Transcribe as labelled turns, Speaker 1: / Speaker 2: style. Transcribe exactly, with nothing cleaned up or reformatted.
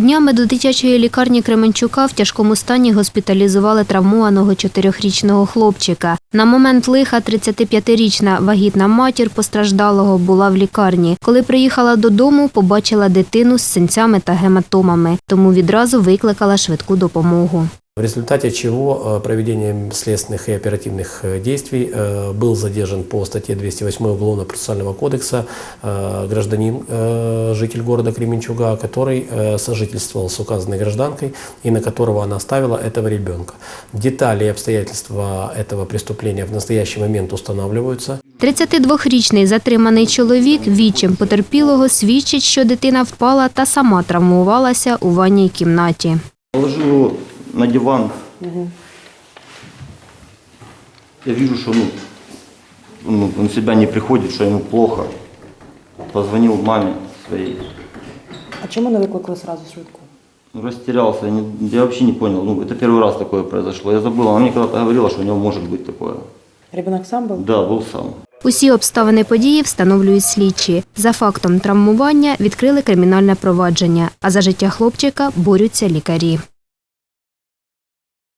Speaker 1: Днями до дитячої лікарні Кременчука в тяжкому стані госпіталізували травмованого чотирьохрічного хлопчика. На момент лиха тридцятип'ятирічна вагітна матір постраждалого була в лікарні. Коли приїхала додому, побачила дитину з синцями та гематомами, тому відразу викликала швидку допомогу.
Speaker 2: В результате чего проведением следственных и оперативных действий был задержан по статье двести восьмой Уголовно-процессуального кодекса гражданин, житель города Кременчуга, который сожительствовал с указанной гражданкой и на которого она оставила этого ребенка. Детали и обстоятельства этого преступления в настоящий момент устанавливаются.
Speaker 1: тридцятидвохрічний затриманий чоловік відчим потерпілого свідчить, що дитина впала та сама травмувалася у ванній кімнаті.
Speaker 3: Положил на диван. Угу. Я вижу, что ну, ну, он в себя не приходит, что ему плохо. Позвонил маме своей.
Speaker 4: А чему не выкликали сразу швидку?
Speaker 3: Ну, растерялся, я, не, я вообще не понял. Ну, это первый раз такое произошло. Я забыл, она мне когда-то говорила, что у него может быть такое.
Speaker 4: Ребенок сам был?
Speaker 3: Да, был сам.
Speaker 1: Усі обставини події встановлюють слідчі. За фактом травмування відкрили кримінальне провадження, а за життя хлопчика борються лікарі.